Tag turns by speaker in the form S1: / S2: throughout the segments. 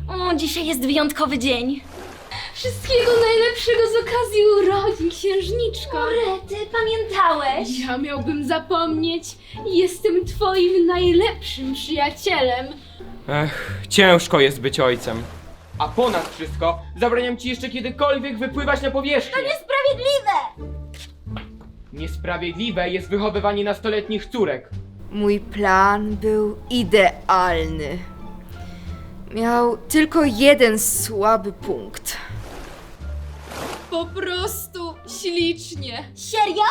S1: O, dzisiaj jest wyjątkowy dzień.
S2: Wszystkiego najlepszego z okazji urodzin, księżniczko.
S1: Rety, pamiętałeś?
S2: Ja miałbym zapomnieć. Jestem twoim najlepszym przyjacielem.
S3: Ciężko jest być ojcem. A ponad wszystko zabraniam ci jeszcze kiedykolwiek wypływać na powierzchnię.
S1: Niesprawiedliwe!
S3: Niesprawiedliwe jest wychowywanie nastoletnich córek.
S4: Mój plan był idealny. Miał tylko jeden słaby punkt.
S2: Po prostu ślicznie.
S1: Serio?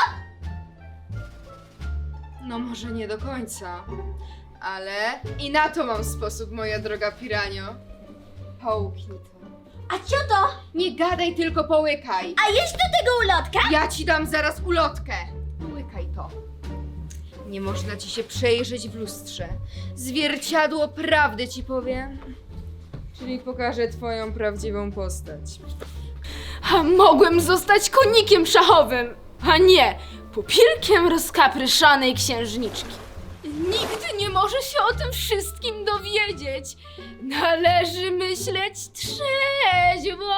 S4: No może nie do końca, ale i na to mam sposób, moja droga piranio. Połknij to.
S1: A co to?
S4: Nie gadaj, tylko połykaj.
S1: A jest do tego ulotka?
S4: Ja ci dam zaraz ulotkę. Połykaj to. Nie można ci się przejrzeć w lustrze. Zwierciadło prawdy ci powiem. Czyli pokażę twoją prawdziwą postać.
S2: A mogłem zostać konikiem szachowym, a nie pupilkiem rozkapryszanej księżniczki. Nikt nie może się o tym wszystkim dowiedzieć. Należy myśleć trzeźwo.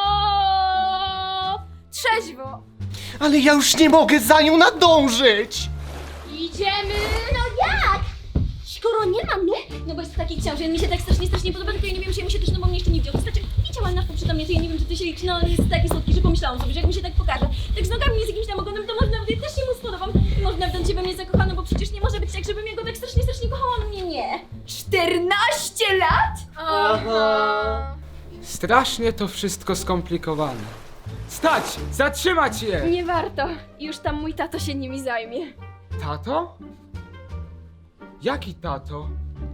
S2: Trzeźwo.
S5: Ale ja już nie mogę za nią nadążyć!
S2: Idziemy.
S1: No jak? Skoro nie mam nóg, no bo jest taki książę, mi się tak strasznie podoba, tylko ja nie wiem, czy ja mi się też nogą jeszcze nie wziął. Znaczy, widziałam na przytomnie, to ja nie wiem, czy ty się, no on jest taki słodki, że pomyślałam sobie, że jak mi się tak pokaże, tak z nogami i z jakimś tam ogonem, to może nawet ja też się mu spodobam. I może nawet się we mnie zakochano, bo przecież nie może być tak, żebym ja go tak strasznie kochała, on mnie nie.
S2: 14 lat?
S4: Aha.
S3: Strasznie to wszystko skomplikowane. Stać! Zatrzymać je!
S2: Nie warto. Już tam mój tato się nimi zajmie.
S3: Tato? Jaki tato?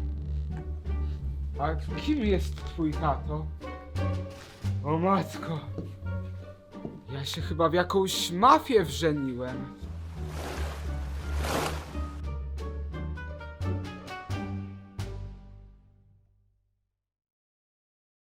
S3: A kim jest twój tato? O matko. Ja się chyba w jakąś mafię wrzeniłem.